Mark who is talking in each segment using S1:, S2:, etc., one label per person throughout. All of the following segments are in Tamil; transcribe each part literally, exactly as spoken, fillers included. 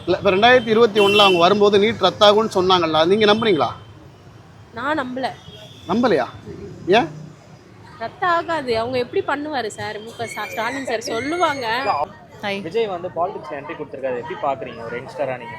S1: இல்லை இப்போ ரெண்டாயிரத்தி இருபத்தி ஒன்றில் அவங்க வரும்போது நீட் ரத்தாகும்னு சொன்னாங்கல்ல, நீங்கள் நம்புறீங்களா?
S2: நான் நம்பல.
S1: நம்பலையா? ஏன்?
S2: ரத்த ஆகாது. அவங்க எப்படி பண்ணுவாரு சார்? மு க ஸ்டாலின் சார் சொல்லுவாங்க.
S3: விஜய் வந்து பாலிடிக்ஸ் என்ட்ரி கொடுத்துருக்காரு, எப்படி பார்க்குறீங்க ஒரு யங்ஸ்டராக நீங்கள்?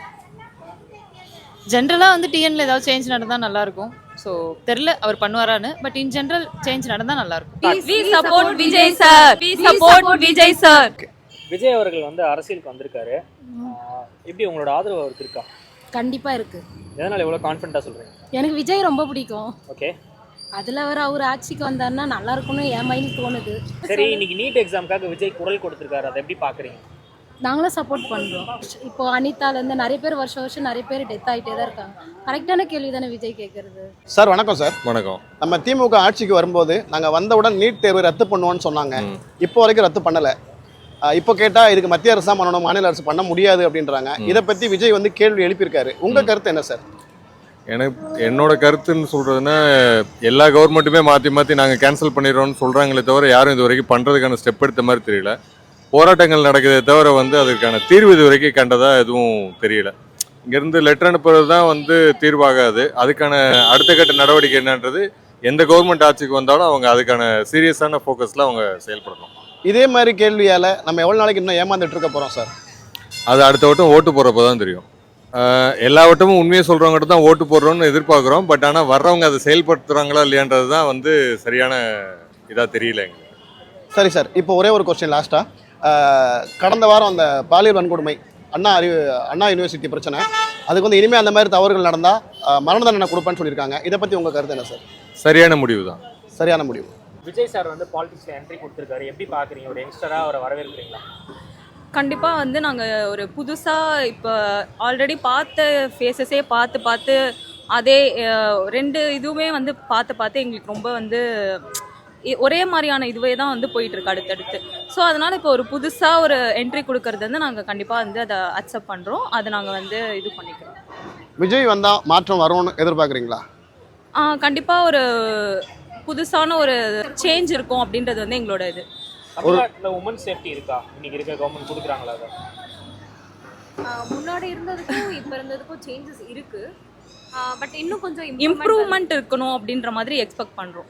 S4: ஜென்ரலாக வந்து டிஎன்ல ஏதாவது சேஞ்ச் நடந்தால் நல்லாயிருக்கும். ஸோ தெரில அவர் பண்ணுவாரான்னு, பட் இன் ஜென்ரல் சேஞ்ச் நடந்தால் நல்லாயிருக்கும்.
S5: We support Vijay sir. We support Vijay sir.
S3: Vijay அவர்கள் வந்து அரசியலுக்கு வந்திருக்காரு, எப்படி உங்களோட ஆதரவு அவருக்கு இருக்கா?
S2: கண்டிப்பா இருக்கு.
S3: எதனால் எவ்வளோ கான்ஃபிடண்ட்டாக சொல்கிறீங்க?
S2: எனக்கு விஜய் ரொம்ப பிடிக்கும்.
S3: ஓகே,
S2: அதுல அவர் அவர் ஆட்சிக்கு வந்தாருன்னா நல்லா இருக்கும்னு என் மைண்ட் தோணுது.
S3: சரி, இன்னைக்கு நீட் எக்ஸாமுக்காக விஜய் குரல் கொடுத்துருக்காரு, அதை எப்படி பார்க்குறீங்க?
S2: நாங்களும் சப்போர்ட் பண்றோம். இப்போ அனிதாலேருந்து நிறைய பேர் வருஷம் வருஷம் நிறைய பேர் டெத் ஆகிட்டே தான் இருக்காங்க. கரெக்டான கேள்வி தானே விஜய் கேட்கறது.
S1: சார் வணக்கம் சார்.
S6: வணக்கம்.
S1: நம்ம திமுக ஆட்சிக்கு வரும்போது நாங்கள் வந்தவுடன் நீட் தேர்வு ரத்து பண்ணுவோன்னு சொன்னாங்க. இப்போ வரைக்கும் ரத்து பண்ணலை. இப்போ கேட்டால் இதுக்கு மத்திய அரசு தான் பண்ணணும், மாநில அரசு பண்ண முடியாது அப்படின்றாங்க. இதை பற்றி விஜய் வந்து கேள்வி எழுப்பியிருக்காரு. உங்கள் கருத்து என்ன சார்?
S6: எனக்கு என்னோட கருத்துன்னு சொல்கிறதுன்னா, எல்லா கவர்மெண்ட்டுமே மாற்றி மாற்றி நாங்கள் கேன்சல் பண்ணிடுறோம்னு சொல்கிறாங்களே தவிர யாரும் இது வரைக்கும் பண்ணுறதுக்கான ஸ்டெப் எடுத்த மாதிரி தெரியல. போராட்டங்கள் நடக்குதே தவிர வந்து அதுக்கான தீர்வு இது வரைக்கும் கண்டதாக எதுவும் தெரியல. இங்கேருந்து லெட்டர் அனுப்புறது தான் வந்து தீர்வாகாது. அதுக்கான அடுத்த கட்ட நடவடிக்கை என்னன்றது எந்த கவர்மெண்ட் ஆட்சிக்கு வந்தாலும் அவங்க அதுக்கான சீரியஸான ஃபோக்கஸில் அவங்க செயல்படணும்.
S1: இதே மாதிரி கேள்வியால் நம்ம எவ்வளோ நாளைக்கு இன்னும் ஏமாந்துட்டு இருக்க போகிறோம் சார்?
S6: அது அடுத்த வட்டம் ஓட்டு போகிறப்போ தான் தெரியும். எல்லா வட்டமும் உண்மையை சொல்கிறவங்ககிட்ட தான் ஓட்டு போடுறோம்னு எதிர்பார்க்குறோம். பட் ஆனால் வர்றவங்க அதை செயல்படுத்துகிறாங்களா இல்லையான்றது தான் வந்து சரியான இதாக தெரியல எங்களுக்கு.
S1: சரி சார், இப்போ ஒரே ஒரு கொஸ்டின் லாஸ்ட்டாக. கடந்த வாரம் அந்த பாலியல் வன்கொடுமை அண்ணா அறிவு அண்ணா யூனிவர்சிட்டி பிரச்சனை, அதுக்கு வந்து இனிமேல் அந்த மாதிரி தவறுகள் நடந்தால் மரண தண்டனை கொடுப்பேன்னு சொல்லியிருக்காங்க. இதை பற்றி உங்கள் கருத்து என்ன சார்?
S6: சரியான முடிவு தான்.
S1: சரியான முடிவு.
S3: விஜய் சார் வந்து பாலிடிக்ஸில் என்ட்ரி கொடுத்துருக்காரு, எப்படி பார்க்குறீங்க? ஒரு யங்ஸ்டராக அவரை வரவேற்கிறீங்களா?
S5: கண்டிப்பாக வந்து நாங்கள் ஒரு புதுசாக இப்போ ஆல்ரெடி பார்த்த ஃபேஸஸே பார்த்து பார்த்து அதே ரெண்டு இதுவுமே வந்து பார்த்து பார்த்து எங்களுக்கு ரொம்ப வந்து ஒரே மாதிரியான இதுவே தான் வந்து போயிட்டுருக்கு அடுத்தடுத்து. ஸோ அதனால் இப்போ ஒரு புதுசாக ஒரு என்ட்ரி கொடுக்கறது வந்து நாங்கள் கண்டிப்பாக வந்து அதை அக்செப்ட் பண்ணுறோம். அதை நாங்கள் வந்து இது பண்ணிக்கிறோம்.
S1: விஜய் வந்தால் மாற்றம் வரும்னு எதிர்பார்க்குறீங்களா?
S5: கண்டிப்பாக ஒரு புதுசான ஒரு சேஞ்ச் இருக்கும் அப்படின்றது வந்து எங்களோட இது.
S3: தமிழ்நாட்டில் உமன் சேஃப்டி இருக்கா? இன்னைக்கு இருக்க கவர்மெண்ட் கொடுக்குறாங்களா? அதை
S7: முன்னாடி இருந்ததுக்கும் இப்போ இருந்ததுக்கும் சேஞ்சஸ் இருக்கு. பட் இன்னும் கொஞ்சம்
S5: இம்ப்ரூவ்மெண்ட் இருக்கணும் அப்படின்ற மாதிரி எக்ஸ்பெக்ட் பண்ணுறோம்.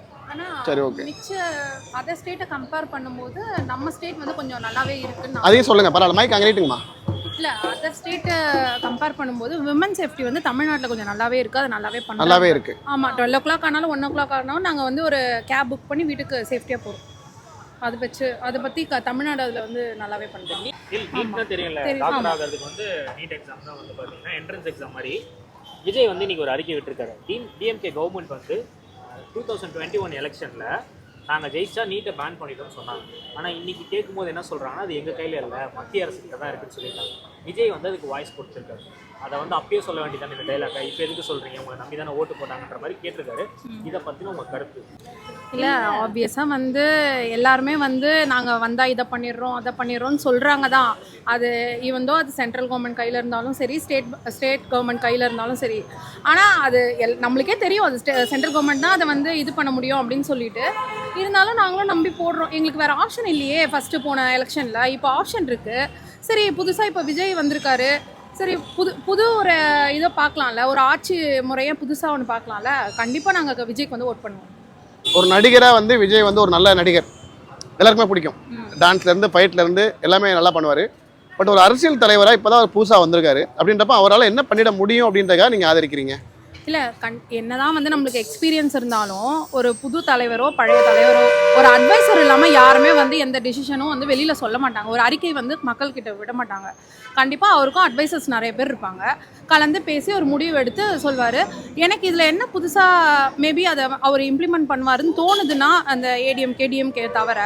S7: ஆனால் மிச்ச அதர் ஸ்டேட்டை கம்பேர் பண்ணும்போது நம்ம ஸ்டேட் வந்து கொஞ்சம் நல்லாவே இருக்குன்னு
S1: அதையும் சொல்லுங்கள். பரவாயில்ல, மைக் அங்கே நீட்டுங்கம்மா.
S7: இல்லை, அதர் ஸ்டேட்டை கம்பேர் பண்ணும்போது விமன் சேஃப்டி வந்து தமிழ்நாட்டில் கொஞ்சம் நல்லாவே இருக்குது. அது நல்லாவே பண்ண
S1: நல்லாவே இருக்குது.
S7: ஆமாம், டுவெல் ஓ கிளாக் ஆனாலும் ஒன் ஓ கிளாக் ஆனாலும் நாங்கள் வந்து ஒரு கேப் புக் பண்ணி வீட்டுக்கு சேஃப்டியாக போகிறோம். அதை வச்சு அதை பற்றி க தமிழ்நாடு அதில் வந்து நல்லாவே பண்ணுறோம்.
S3: நீட் தெரியல, டாக்டர் ஆகிறதுக்கு வந்து நீட் எக்ஸாம் தான் வந்து பார்த்தீங்கன்னா என்ட்ரன்ஸ் எக்ஸாம் மாதிரி. விஜய் வந்து இன்னைக்கு ஒரு அறிக்கை விட்டுருக்காரு. டி டிஎம்கே கவர்மெண்ட் வந்து டூ தௌசண்ட் டுவெண்ட்டி ஒன் எலெக்ஷனில் நாங்கள் ஜெயிச்சா நீட்டை பேன் பண்ணிட்டோம்னு சொன்னாங்க. ஆனால் இன்னைக்கு கேட்கும்போது என்ன சொல்கிறாங்கன்னா, அது எங்கள் கையில் இல்லை, மத்திய அரசுக்கிட்ட தான் இருக்குன்னு சொல்லியிருக்காங்க. விஜய் வந்து அதுக்கு வாய்ஸ் கொடுத்துருக்காரு. அதை வந்து அப்பயே சொல்ல வேண்டியதானே இந்த டைலாக, இப்போ எதுக்கு சொல்கிறீங்க, உங்களை நம்பி தானே ஓட்டு போட்டாங்கன்ற மாதிரி கேட்டிருக்காரு. இதை பற்றின உங்கள் கருத்து?
S7: இல்லை, ஆப்வியஸாக வந்து எல்லாருமே வந்து நாங்கள் வந்தால் இதை பண்ணிடுறோம் அதை பண்ணிடுறோம்னு சொல்கிறாங்க தான். அது ஈவந்தோ அது சென்ட்ரல் கவர்மெண்ட் கையில் இருந்தாலும் சரி, ஸ்டேட் ஸ்டேட் கவர்மெண்ட் கையில் இருந்தாலும் சரி. ஆனால் அது எல் நம்மளுக்கே தெரியும் அது ஸ்டே சென்ட்ரல் கவர்மெண்ட் தான் அதை வந்து இது பண்ண முடியும் அப்படின்னு சொல்லிட்டு. இருந்தாலும் நாங்களும் நம்பி போடுறோம். எங்களுக்கு வேறு ஆப்ஷன் இல்லையே. ஃபஸ்ட்டு போன எலெக்ஷனில் இப்போ ஆப்ஷன் இருக்குது. சரி, புதுசாக இப்போ விஜய் வந்திருக்காரு. சரி, புது புது ஒரு இதை பார்க்கலாம்ல, ஒரு ஆட்சி முறையை புதுசாக ஒன்று பார்க்கலாம்ல. கண்டிப்பாக நாங்கள் விஜய்க்கு வந்து ஓட் பண்ணுவோம்.
S1: ஒரு நடிகராக வந்து விஜய் வந்து ஒரு நல்ல நடிகர், எல்லாருக்குமே பிடிக்கும். டான்ஸ்லேருந்து ஃபைட்லேருந்து எல்லாமே நல்லா பண்ணுவார். பட் ஒரு அரசியல் தலைவராக இப்போ தான் அவர் புதுசாக வந்திருக்காரு. அப்படின்றப்ப அவரால் என்ன பண்ணிட முடியும் அப்படின்றதுக்காக நீங்கள் ஆதரிக்கிறீங்க?
S7: இல்லை, கண் என்னதான் வந்து நம்மளுக்கு எக்ஸ்பீரியன்ஸ் இருந்தாலும் ஒரு புது தலைவரோ பழைய தலைவரோ ஒரு அட்வைசர் இல்லாமல் யாருமே வந்து எந்த டிசிஷனும் வந்து வெளியில் சொல்ல மாட்டாங்க. ஒரு அறிக்கை வந்து மக்கள்கிட்ட விட மாட்டாங்க. கண்டிப்பாக அவருக்கும் அட்வைசர்ஸ் நிறைய பேர் இருப்பாங்க. கலந்து பேசி ஒரு முடிவு எடுத்து சொல்வார். எனக்கு இதில் என்ன புதுசாக மேபி அதை அவர் இம்ப்ளிமெண்ட் பண்ணுவாருன்னு தோணுதுன்னா அந்த ஏடிஎம் கேடிஎம்கே தவிர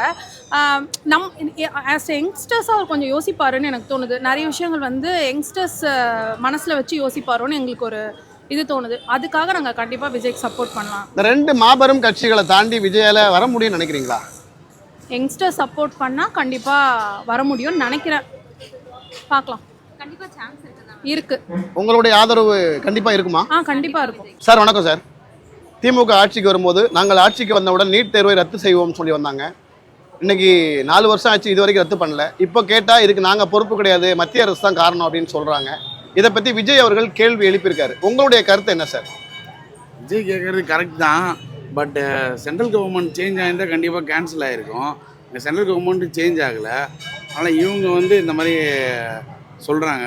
S7: நம் ஆஸ் யங்ஸ்டர்ஸாக அவர் கொஞ்சம் யோசிப்பாருன்னு எனக்கு தோணுது. நிறைய விஷயங்கள் வந்து யங்ஸ்டர்ஸ் மனசில் வச்சு யோசிப்பாரோன்னு எங்களுக்கு ஒரு இது தோணுது. அதுக்காக நாங்கள் கண்டிப்பாக விஜய்க்கு சப்போர்ட் பண்ணலாம்.
S1: இந்த ரெண்டு மாபெரும் கட்சிகளை தாண்டி விஜயால வர முடியும்னு நினைக்கிறீங்களா?
S7: யங்ஸ்டர் சப்போர்ட் பண்ணால் கண்டிப்பாக வர முடியும்னு நினைக்கிறேன். பார்க்கலாம்.
S2: கண்டிப்பாக சான்ஸ் இருக்கு.
S7: இருக்கு.
S1: உங்களுடைய ஆதரவு கண்டிப்பாக இருக்குமா?
S7: ஆ, கண்டிப்பாக இருக்கும்.
S1: சார் வணக்கம் சார். திமுக ஆட்சிக்கு வரும்போது நாங்கள் ஆட்சிக்கு வந்தவுடன் நீட் தேர்வை ரத்து செய்வோம்னு சொல்லி வந்தாங்க. இன்னைக்கு நாலு வருஷம் ஆச்சு, இது வரைக்கும் ரத்து பண்ணல. இப்போ கேட்டா இதுக்கு நாங்க பொறுப்பு கிடையாது, மத்திய அரசு தான் காரணம் அப்படின்னு சொல்றாங்க. இதை பத்தி விஜய் அவர்கள் கேள்வி எழுப்பியிருக்காரு. உங்களுடைய கருத்து என்ன சார்?
S8: விஜய் கேட்குறது கரெக்ட் தான். பட் சென்ட்ரல் கவர்மெண்ட் சேஞ்ச் ஆகிருந்தால் கண்டிப்பாக கேன்சல் ஆகிருக்கும். இந்த சென்ட்ரல் கவர்மெண்ட்டு சேஞ்ச் ஆகலை. ஆனால் இவங்க வந்து இந்த மாதிரி சொல்கிறாங்க.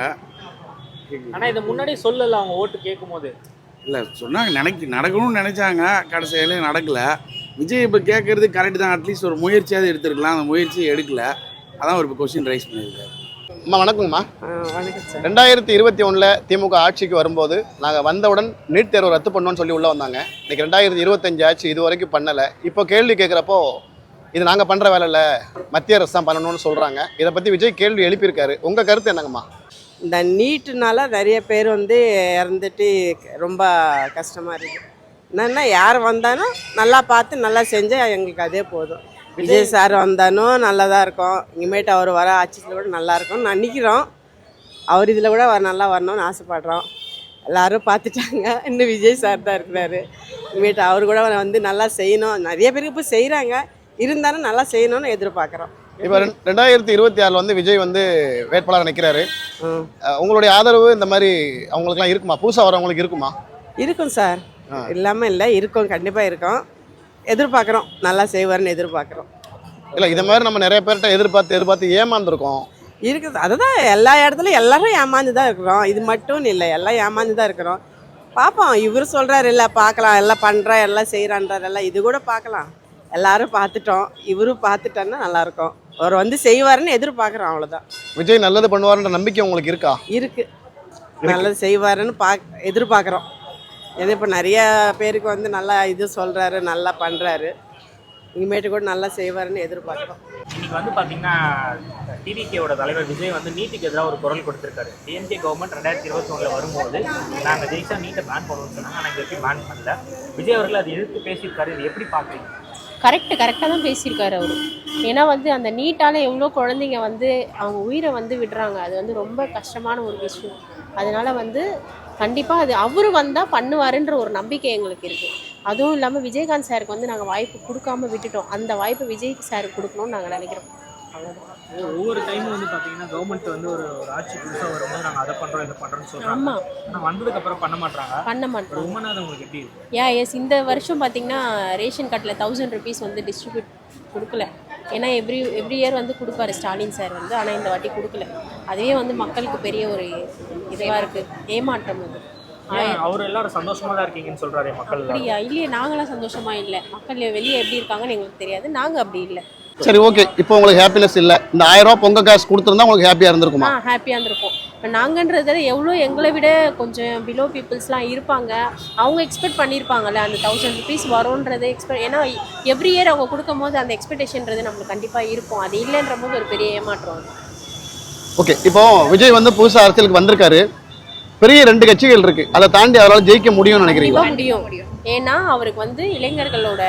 S3: ஆனால் இதை முன்னாடியே சொல்லலை அவங்க ஓட்டு கேட்கும் போது.
S8: இல்லை சொன்னாங்க, நினைக்க நடக்கணும்னு நினச்சாங்க, கடைசியில நடக்கலை. விஜய் இப்போ கேட்குறது கரெக்ட் தான். அட்லீஸ்ட் ஒரு முயற்சியாவது எடுத்துருக்கலாம். அந்த முயற்சியை எடுக்கலை. அதான் ஒரு கொஸ்டின் ரைஸ் பண்ணியிருக்காரு.
S1: அம்மா வணக்கங்கம்மா.
S9: வணக்கம் சார்.
S1: ரெண்டாயிரத்தி இருபத்தி ஒன்றில் திமுக ஆட்சிக்கு வரும்போது நாங்கள் வந்தவுடன் நீட் தேர்வு ரத்து பண்ணோன்னு சொல்லி உள்ளே வந்தாங்க. இன்னைக்கு ரெண்டாயிரத்தி இருபத்தஞ்சு ஆச்சு, இது வரைக்கும் பண்ணலை. இப்போ கேள்வி கேட்குறப்போ இது நாங்கள் பண்ணுற வேலை இல்லை, மத்திய அரசு தான் பண்ணணும்னு சொல்கிறாங்க. இதை பற்றி விஜய் கேள்வி எழுப்பியிருக்காரு. உங்கள் கருத்து என்னங்கம்மா?
S9: இந்த நீட்டுனால நிறைய பேர் வந்து இறந்துட்டு ரொம்ப கஷ்டமாக இருக்குது. என்னென்னா யார் வந்தாலும் நல்லா பார்த்து நல்லா செஞ்சால் எங்களுக்கு அதே போதும். விஜய் சார் வந்தாலும் நல்லா தான் இருக்கும். இனிமேட்டு அவர் வர ஆட்சியில் கூட நல்லா இருக்கும்னு நினைக்கிறோம். அவர் இதில் கூட வர நல்லா வரணும்னு ஆசைப்படுறோம். எல்லோரும் பார்த்துட்டாங்க, இன்னும் விஜய் சார் தான் இருக்கிறாரு. இனிமேட்டு அவர் கூட வந்து நல்லா செய்யணும். நிறைய பேருக்கு இப்போ செய்கிறாங்க, இருந்தாலும் நல்லா செய்யணும்னு எதிர்பார்க்குறோம்.
S1: இப்போ ரெண்டாயிரத்தி இருபத்தி ஆறில் வந்து விஜய் வந்து வேட்பாளர் நிற்கிறாரு. உங்களுடைய ஆதரவு இந்த மாதிரி அவங்களுக்குலாம் இருக்குமா? புதுசாக வரவங்களுக்கு இருக்குமா?
S9: இருக்கும் சார், இல்லாமல் இல்லை, இருக்கும், கண்டிப்பாக இருக்கும். எதிர்பார்க்குறோம், நல்லா செய்வார்னு எதிர்பார்க்குறோம்.
S1: இல்லை, இதை மாதிரி நம்ம நிறைய பேர்கிட்ட எதிர்பார்த்து எதிர்பார்த்து ஏமாந்துருக்கோம்.
S9: இருக்குது, அதுதான் எல்லா இடத்துலையும் எல்லாரும் ஏமாந்து தான் இருக்கிறோம். இது மட்டும் இல்லை, எல்லாம் ஏமாந்து தான் இருக்கிறோம். பார்ப்போம், இவர் சொல்கிறார் இல்லை பார்க்கலாம், எல்லாம் பண்ணுறா எல்லாம் செய்கிறான்றார், எல்லாம் இது கூட பார்க்கலாம். எல்லாரும் பார்த்துட்டோம், இவரும் பார்த்துட்டோன்னா நல்லாயிருக்கும். அவர் வந்து செய்வாருன்னு எதிர்பார்க்குறோம், அவ்வளோதான்.
S1: விஜய் நல்லது பண்ணுவாருன்ற நம்பிக்கை உங்களுக்கு இருக்கா?
S9: இருக்குது, நல்லது செய்வாருன்னு பார்க்க எதிர்பார்க்குறோம். ஏன்னா இப்போ நிறைய பேருக்கு வந்து நல்லா இது சொல்கிறாரு, நல்லா பண்ணுறாரு. இனிமேட்டு கூட நல்லா செய்வாருன்னு எதிர்பார்க்குறோம்.
S3: இன்னைக்கு வந்து பார்த்தீங்கன்னா டிவிகேவோட தலைவர் விஜய் வந்து நீட்டுக்கு எதிராக ஒரு குரல் கொடுத்துருக்காரு. டிஎம்கே கவர்மெண்ட் ரெண்டாயிரத்தி இருபத்தி ஒன்றில் வரும்போது நாங்கள் ஜெயிச்சா நீட்டை பேன் பண்ணுவோம்னு சொன்னாங்க. ஆனால் இது எப்படி பேன் பண்ணல. விஜய் அவர்கள் அதை எதிர்த்து பேசியிருக்காரு. இது எப்படி பார்க்குறீங்க?
S10: கரெக்டு கரெக்டாக தான் பேசியிருக்காரு அவர். ஏன்னா வந்து அந்த நீட்டால் எவ்வளோ குழந்தைங்க வந்து அவங்க உயிரை வந்து விடுறாங்க. அது வந்து ரொம்ப கஷ்டமான ஒரு விஷயம். அதனால வந்து கண்டிப்பாக அது அவர் வந்தால் பண்ணுவாருன்ற ஒரு நம்பிக்கை எங்களுக்கு இருக்குது. அதுவும் இல்லாமல் விஜயகாந்த் சாருக்கு வந்து நாங்கள் வாய்ப்பு கொடுக்காம விட்டுட்டோம். அந்த வாய்ப்பு விஜய் சாருக்கு கொடுக்கணும்னு நாங்கள் நினைக்கிறோம். அவ்வளோதான்.
S3: ஒவ்வொரு டைமும் வந்து பார்த்தீங்கன்னா கவர்மெண்ட் வந்து ஒரு ஒரு ஆட்சி புதுசாக வரும்போது நாங்கள் அதை பண்ணுறோம் இதை பண்ணுறோம்னு சொல்கிறோம்.
S10: ஆமாம்,
S3: ஆனால் வந்ததுக்கப்புறம் பண்ண மாட்டாங்க
S10: பண்ண மாட்டோம்.
S3: உண்மைனா அது உங்களுக்கு எப்படி இருக்கும்?
S10: ஏன் எஸ் இந்த வருஷம் பார்த்தீங்கன்னா ரேஷன் கார்டில் தௌசண்ட் ருபீஸ் வந்து டிஸ்ட்ரிபியூட் கொடுக்கல. ஏன்னா எவ்ரி எவ்ரி இயர் வந்து கொடுப்பாரு ஸ்டாலின் சார் வந்து, ஆனால் இந்த வாட்டி கொடுக்கல. அதுவே வந்து மக்களுக்கு பெரிய ஒரு இதுவாக இருக்குது, ஏமாற்றம் அது.
S3: அவர் எல்லாரும் சந்தோஷமா தான் இருக்கீங்கன்னு சொல்றாரு மக்கள்.
S10: அப்படியா? இல்லையே, நாங்களாம் சந்தோஷமா இல்லை. மக்கள் வெளியே எப்படி இருக்காங்கன்னு எங்களுக்கு தெரியாது, நாங்கள் அப்படி இல்லை.
S1: சரி, ஓகே. இப்போ உங்களுக்கு ஹாப்பினஸ் இல்லை, இந்த ஆயிரம் ரூபா பொங்கல் காசு கொடுத்துருந்தா உங்களுக்கு ஹாப்பியாக இருந்திருக்குமா?
S10: ஆ, ஹாப்பியாக இருந்திருக்கும். இப்போ நாங்கன்றது எவ்வளோ எங்களை விட கொஞ்சம் பிலோ பீப்புள்ஸ்லாம் இருப்பாங்க, அவங்க எக்ஸ்பெக்ட் பண்ணியிருப்பாங்கல்ல அந்த தௌசண்ட் ருபீஸ் வரும்ன்றதை எக்ஸ்பெக்ட். ஏன்னா எவ்ரி இயர் அவங்க கொடுக்கும் போது அந்த எக்ஸ்பெக்டேஷன்றது நம்மளுக்கு கண்டிப்பாக இருக்கும். அது இல்லைன்ற போது ஒரு பெரிய ஏமாற்றம் அது.
S1: ஓகே, இப்போ விஜய் வந்து புதுசாக அரசியலுக்கு வந்திருக்காரு. பெரிய ரெண்டு கட்சிகள் இருக்கு, அதை தாண்டி அவரால் ஜெயிக்க முடியும்னு நினைக்கிறீங்களா?
S10: முடியும். ஏன்னா அவருக்கு வந்து இளைஞர்களோட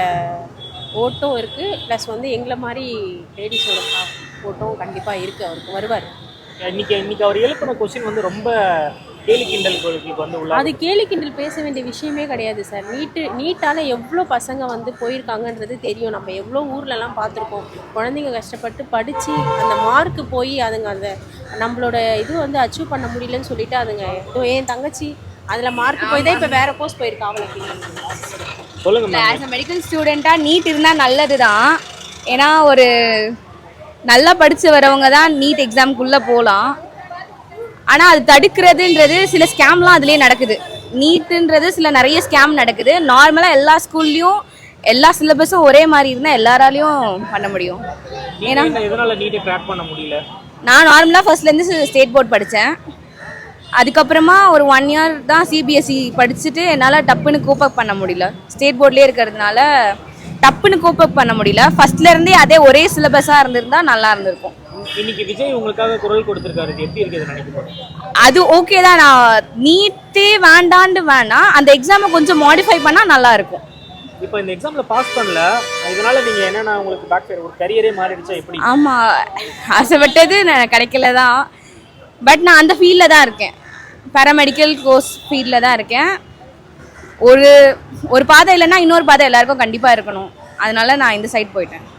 S10: ஓட்டம் இருக்கு, ப்ளஸ் வந்து எங்களை மாதிரி லேடிஸோட ஓட்டம் கண்டிப்பாக இருக்கு. அவருக்கு வருவார்.
S3: இன்னைக்கு இன்னைக்கு அவர் எழுப்பின கொஸ்டின் வந்து ரொம்ப கேலி கிண்டல் வந்து உள்ள. அது
S10: கேலி கிண்டல் பேச வேண்டிய விஷயமே கிடையாது சார். நீட்டு நீட்டால் எவ்வளோ பசங்க வந்து போயிருக்காங்கன்றது தெரியும். நம்ம எவ்வளோ ஊர்லலாம் பார்த்துருக்கோம். குழந்தைங்க கஷ்டப்பட்டு படித்து அந்த மார்க்கு போய் அதுங்க அந்த நம்மளோட இது வந்து அச்சீவ் பண்ண முடியலன்னு சொல்லிட்டு அதுங்க என் தங்கச்சி அதில் மார்க் போய் தான் இப்போ வேறு கோர்ஸ் போயிருக்கா. அவளுக்கு
S3: சொல்லுங்க.
S5: ஆஸ் அ மெடிக்கல் ஸ்டூடெண்ட்டாக நீட் இருந்தால் நல்லது தான். ஏன்னா ஒரு நல்லா படித்து வரவங்க தான் நீட் எக்ஸாமுக்குள்ளே போகலாம். ஆனால் அது தடுக்கிறதுன்றது சில ஸ்கேம்லாம் அதுலேயே நடக்குது. நீட்டுன்றது சில நிறைய ஸ்கேம் நடக்குது. நார்மலாக எல்லா ஸ்கூல்லையும் எல்லா சிலபஸும் ஒரே மாதிரி இருந்தால் எல்லாராலையும் பண்ண முடியும். ஏன்னா
S3: எதனால நீட்டை கிராக் பண்ண முடியல?
S5: நான் நார்மலாக ஃபர்ஸ்ட்லேருந்து ஸ்டேட் போர்ட் படித்தேன். அதுக்கப்புறமா ஒரு ஒன் இயர் தான் சிபிஎஸ்சி படிச்சுட்டு என்னால் டப்புன்னு கோப்பப் பண்ண முடியல. ஸ்டேட் போர்ட்லேயே இருக்கிறதுனால டப்புன்னு கோப்பப் பண்ண முடியல. ஃபர்ஸ்ட்லேருந்தே அதே ஒரே சிலபஸாக இருந்திருந்தா நல்லா இருந்திருக்கும்.
S3: இன்னைக்கு விஜய் உங்களுக்காக குரல் கொடுத்துருக்காரு, எப்படி இருக்குது நினைக்கிறேன்?
S5: அது ஓகே தான். நான் நீட்டே வேண்டான்னு வேணாம், அந்த எக்ஸாமை கொஞ்சம் மாடிஃபை பண்ணால் நல்லா இருக்கும்.
S3: இப்போ இந்த எக்ஸாம்ல பாஸ் பண்ணல, இதனால நீங்க என்னன்னா உங்களுக்கு பேக் ஃபயர் ஒரு கரியரே மாறிடுச்சா எப்படி?
S5: ஆமாம், ஆசைப்பட்டது நான் கிடைக்கல தான். பட் நான் அந்த ஃபீல்டில் தான் இருக்கேன், பேராமெடிக்கல் கோர்ஸ் ஃபீல்டில் தான் இருக்கேன். ஒரு ஒரு பாதை இல்லைன்னா இன்னொரு பாதை எல்லாருக்கும் கண்டிப்பாக இருக்கணும். அதனால நான் இந்த சைட் போயிட்டேன்.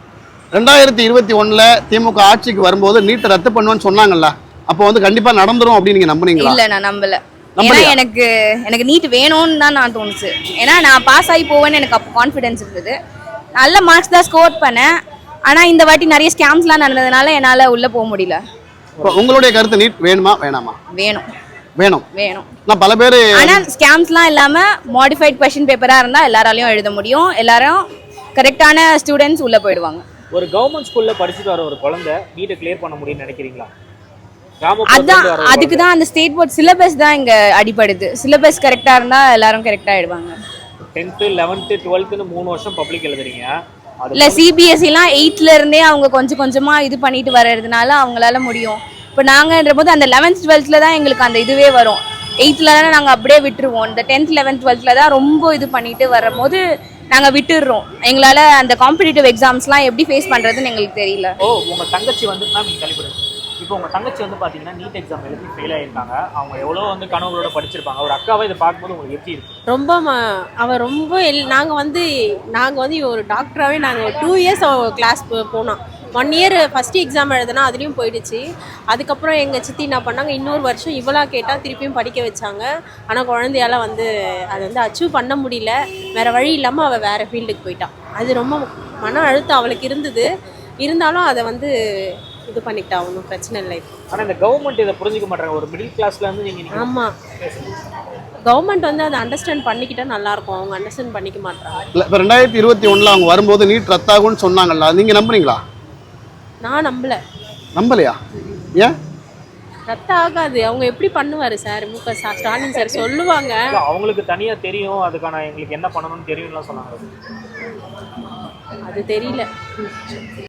S1: ரெண்டாயிரத்தி இருபத்தி ஒண்ணுல திமுக ஆட்சிக்கு வரும்போது நீட்டை ரத்து பண்ணுவேன்னு சொன்னாங்கல்ல, அப்போ வந்து கண்டிப்பா நடந்துரும் அப்படின்னு நீங்க நம்புனீங்களா?
S11: இல்ல நான் நம்பல. ஏன்னா
S1: நம்பலையா?
S11: எனக்கு எனக்கு நீட் வேணும்னு தான் நான் தோணுச்சு. ஏன்னா நான் பாஸ் ஆகி போவேன்னு எனக்கு அப்போ கான்ஃபிடன்ஸ் இருந்தது. நல்ல மார்க்ஸ் தான் ஸ்கோர் பண்ணேன். ஆனா இந்த வாட்டி நிறைய ஸ்கேம்ஸ்லாம் நடந்ததுனால என்னால உள்ள போக முடியல.
S1: இப்போ உங்களுடைய கருத்து நீட் வேணுமா வேணாமா?
S11: வேணும்
S1: வேணும்.
S11: வேணும்.
S1: நான் பல பேர்
S11: ஆனா ஸ்கேம்ஸ்லாம் இல்லாம மாடிஃபைட் கொஸ்டின் பேப்பரா இருந்தா எல்லாராலையும் எழுத முடியும். எல்லாரும் கரெக்டான ஸ்டூடெண்ட்ஸ் உள்ள போயிடுவாங்க.
S3: ஒரு கவர்மெண்ட் ஸ்கூல்ல படிச்சுட்டு வர ஒரு குழந்தை நீட்டை கிளியர் பண்ண முடியும்னு நினைக்கிறீங்களா?
S11: அதான் அதுக்கு தான் அந்த ஸ்டேட் போர்ட் சிலபஸ் தான் இங்க அடிபடுது. சிலபஸ் கரெக்டா இருந்தா எல்லாரும் கரெக்டா ஆயிடுவாங்க.
S3: டென்த் லெவன்த் டுவெல்த்னு மூணு வருஷம் பப்ளிக் எழுதுறீங்க.
S11: இல்ல சிபிஎஸ்சிலாம் எயிட்ல இருந்தே அவங்க கொஞ்சம் கொஞ்சமா இது பண்ணிட்டு வர்றதுனால அவங்களால முடியும். இப்போ நாங்கன்ற போது அந்த லெவன்த் டுவெல்த்ல தான் எங்களுக்கு அந்த இதுவே வரும். எயித்துல தானே நாங்கள் அப்படியே விட்டுருவோம். இந்த டென்த் லெவன்த் டுவெல்த்ல தான் ரொம்ப இது பண்ணிட்டு வரும்போது நாங்கள் விட்டுடுறோம். எங்களால் அந்த காம்படிட்டிவ் எக்ஸாம்ஸ்லாம் எப்படி ஃபேஸ் பண்ணுறதுன்னு எங்களுக்கு தெரியல.
S3: ஓ உங்க தங்கச்சி வந்து மேம் நீங்க கழிப்பிடுங்க. இப்போ உங்க தங்கச்சி வந்து பாத்தீங்கன்னா நீட் எக்ஸாம் எழுதி ஃபெயில் ஆயிருக்காங்க. அவங்க எவ்வளோ வந்து கனவுகளோட படிச்சிருப்பாங்க. ஒரு அக்காவை இதை பார்க்கும்போது உங்களுக்கு எப்படி இருக்கு?
S10: ரொம்ப ம- அவ ரொம்ப எல் நாங்கள் வந்து நாங்கள் வந்து ஒரு டாக்டராகவே நாங்கள் டூ இயர்ஸ் அவள் கிளாஸ் போனோம். ஒன் இயர் ஃபஸ்ட்டு எக்ஸாம் எழுதுனா அதுலேயும் போயிடுச்சு. அதுக்கப்புறம் எங்கள் சித்தி என்ன பண்ணாங்க, இன்னொரு வருஷம் இவளா கேட்டால் திருப்பியும் படிக்க வச்சாங்க. ஆனால் குழந்தையால வந்து அதை வந்து அச்சீவ் பண்ண முடியல. வேறு வழி இல்லாமல் அவள் வேறு ஃபீல்டுக்கு போயிட்டான். அது ரொம்ப மன அழுத்தம் அவளுக்கு இருந்தது. இருந்தாலும் அதை வந்து இது பண்ணிக்கிட்டா, ஒன்றும் பிரச்சனை இல்லை.
S3: ஆனா இந்த கவர்மெண்ட் இதை புரிஞ்சுக்க மாட்டாங்க. ஒரு மிடில் கிளாஸ்ல இருந்து நீங்க நீங்க
S10: ஆமாம், கவர்மெண்ட் வந்து அதை அண்டர்ஸ்டாண்ட் பண்ணிக்கிட்டா நல்லாயிருக்கும். அவங்க அண்டர்ஸ்டாண்ட் பண்ணிக்க மாட்டாங்க.
S1: இல்ல இப்போ ரெண்டாயிரத்தி இருபத்தி ஒண்ணுல அவங்க வரும்போது நீட் ரத்தாகும்னு சொன்னாங்கல்ல, நீங்க நம்புறீங்களா?
S10: நான் நம்பல.
S1: நம்பலையா? ஏன்?
S10: ரத்த ஆகாது. அவங்க எப்படி பண்ணுவார் சார்? மு க ஸ்டாலின் சார் சொல்லுவாங்க.
S3: இல்ல, அவங்களுக்கு தனியா தெரியும், அதுக்கான எங்களுக்கு என்ன பண்ணணும்னு தெரியும்லாம் சொன்னாங்க.
S10: அது தெரியல.